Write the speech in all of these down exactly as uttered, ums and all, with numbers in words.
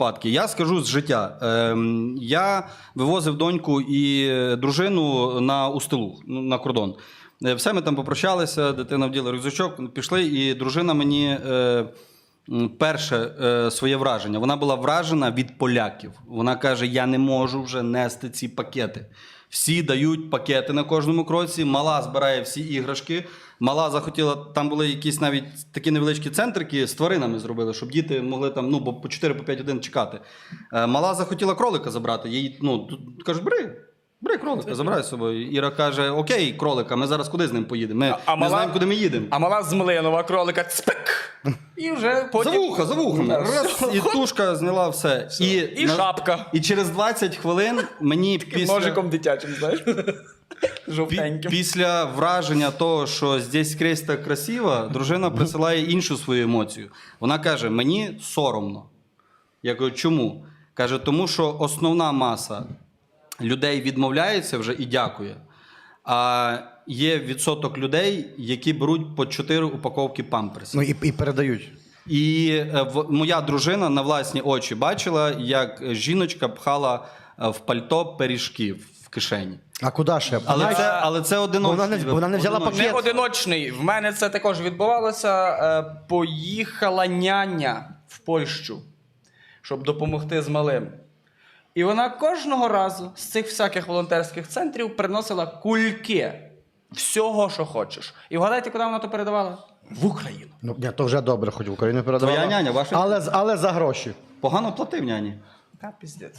випадки. Я скажу з життя. Ем, я вивозив доньку і дружину на Устилуг, на кордон. Е, Все, ми там попрощалися, дитина вділа рюкзачок, пішли, і дружина мені е, перше е, своє враження. Вона була вражена від поляків. Вона каже, я не можу вже нести ці пакети. Всі дають пакети на кожному кроці, мала збирає всі іграшки. Мала захотіла, там були якісь навіть такі невеличкі центрики з тваринами зробили, щоб діти могли там, ну, по чотири-п'ять годин чекати. Е, Мала захотіла кролика забрати. Їй, ну, кажуть, бери, бери кролика, забирай з собою. Іра каже, окей, кролика, ми зараз куди з ним поїдемо? Ми А- а не мала- знаємо, куди ми їдемо. А мала з Млинова кролика цпик. І вже потім... За вуха, за вухами. Раз, і тушка зняла все. І, І шапка. І через двадцять хвилин мені після... Ножиком дитячим, знаєш? Пі- Жовтеньким. Після враження того, що здесь скрізь так красиво, дружина присилає іншу свою емоцію. Вона каже, мені соромно. Я кажу, чому? Каже, тому що основна маса людей відмовляється вже і дякує. А є відсоток людей, які беруть по чотири упаковки памперсів. Ну і, і передають. І е, в- моя дружина на власні очі бачила, як жіночка пхала е, в пальто пиріжки в кишені. А куди ще? Але Знаєш, це, але це одиночний. вона не- вона не взяла одиночний. Не одиночний. В мене це також відбувалося. Е, Поїхала няня в Польщу, щоб допомогти з малим. І вона кожного разу з цих всяких волонтерських центрів приносила кульки всього, що хочеш. І вгадайте, куди вона то передавала? В Україну. Ну, ні, то вже добре, хоч в Україну передавала. Твоя няня, ваша? Але, з- але за гроші. Погано платив няні. Та піздець.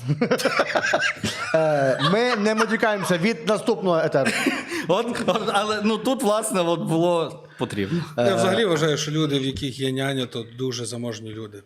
Е, ми не матюкаємося від наступного етеру. От, от, але ну, тут, власне, от було потрібно. Я взагалі вважаю, що люди, в яких є няня, то дуже заможні люди.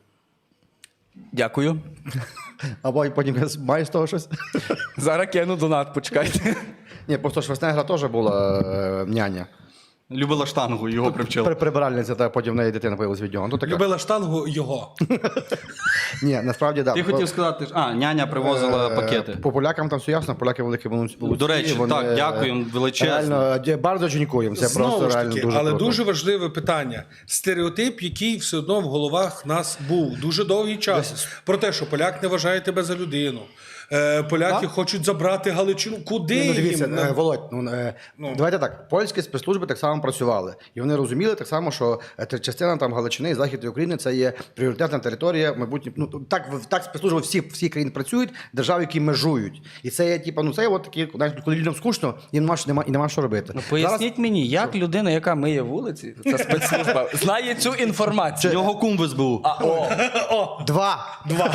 Дякую. Або потім маєш з того щось? Зараз кину донат, почекайте. Ні, просто Шварценеггера теж була е, няня. Любила штангу, його привчила. При, прибиральниця, та потім в неї дитина появилась від нього. Ну, така. Любила штангу його. Ні, насправді, так. Ти хотів сказати, а, няня привозила пакети. По полякам там все ясно, поляки великі молодці. До речі, так, дякуємо величезно. Реально, ді- bardzo дякуємо. Це Знову просто ж реально таки, дуже але круто. дуже важливе питання. Стереотип, який все одно в головах нас був дуже довгий час. Про те, що поляк не вважає тебе за людину. Е, Поляки Так? хочуть забрати Галичину. Куди Ну, дивіться, їм? е, Володь, ну, е, давайте так, польські спецслужби так само працювали. І вони розуміли так само, що е, те- частина там Галичини і Західної України це є пріоритетна територія, мабуть, ну, так, в- так спецслужби всі, всі країни працюють, держави, які межують. І це є, типу, ну, це є от такі, знаєш, коли людям скучно, їм нема, що- нема, і нема що робити. Ну, поясніть мені, як людина, яка миє вулиці, ця спецслужба, знає цю інформацію. Його кум в ес бе у. А, о, Зараз... Два! Два!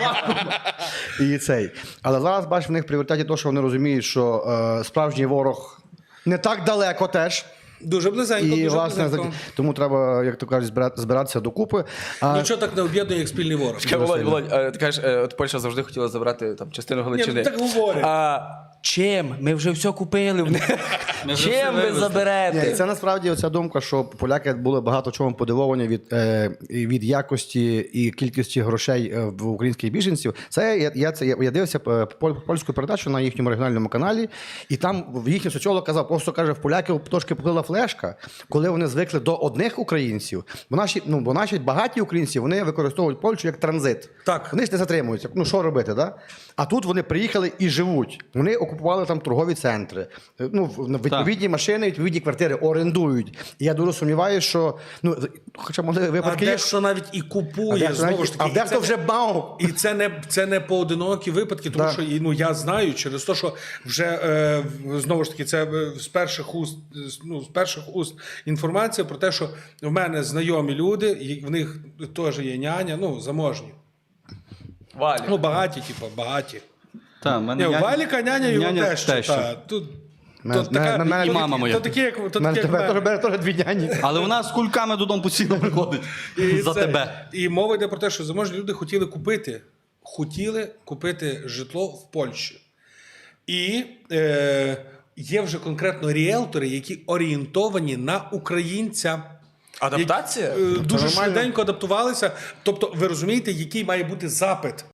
І цей. Але зараз, бачиш, в них в пріоритеті те, що вони розуміють, що е, справжній ворог не так далеко теж. Дуже близенько, І, дуже власне, близенько. тому треба, як то кажуть, збира- збиратися докупи. А, Нічого так не об'єднує, як спільний ворог. чекай, Володь, Володь, е, ти кажеш, е, от Польща завжди хотіла забрати там частину Галичини. Ні, ну, так говорять. А чим? Ми вже все купили в них. Ми вже все Чим ви вивезли. Ні, заберете? це насправді оця думка, що поляки були багато чому подивовані від, е, і від якості і кількості грошей е, в українських біженців. Це я, я, це, я, я дивився е, поль- польську передачу на їхньому регіональному каналі, і там їхній соціолог казав, просто каже, в поляків трошки поплила флешка, коли вони звикли до одних українців. Бо наші, ну, бо наші багаті українці вони використовують Польщу як транзит. Так. Вони ж не затримуються. Ну що робити, да? А тут вони приїхали і живуть. Вони окупували там торгові центри. Ну, в- відповідні машини, відповідні квартири орендують. І я дуже сумніваюся, що ну, хоча могли А випадки. є. дехто навіть і А купує, дехто знову навіть- ж таки. а і дехто це вже не- бав. І це не, це не поодинокі випадки, тому Да. що і, ну, я знаю через те, що вже е, в- знову ж таки це е, з перших уст, ну, з перших уст інформація про те, що в мене знайомі люди, і в них теж є няня, ну, заможні. Валя. Ну, багаті, типу, багаті. Та, в мене Ні, у няня- Валіка няня його няня теж. теща. Та, тут, Мене- то така, мене- мене- то і мама такі- моя. То такі, як, то У мене такі, як тебе мене. теж бере теж дві няні. Але вона з кульками додому постійно приходить. І За це- тебе. І мова йде про те, що заможні люди хотіли купити, хотіли купити житло в Польщі. І е, є вже конкретно ріелтори, які орієнтовані на українця. Адаптація? Які, е, дуже нормально. швиденько адаптувалися. Тобто, ви розумієте, який має бути запит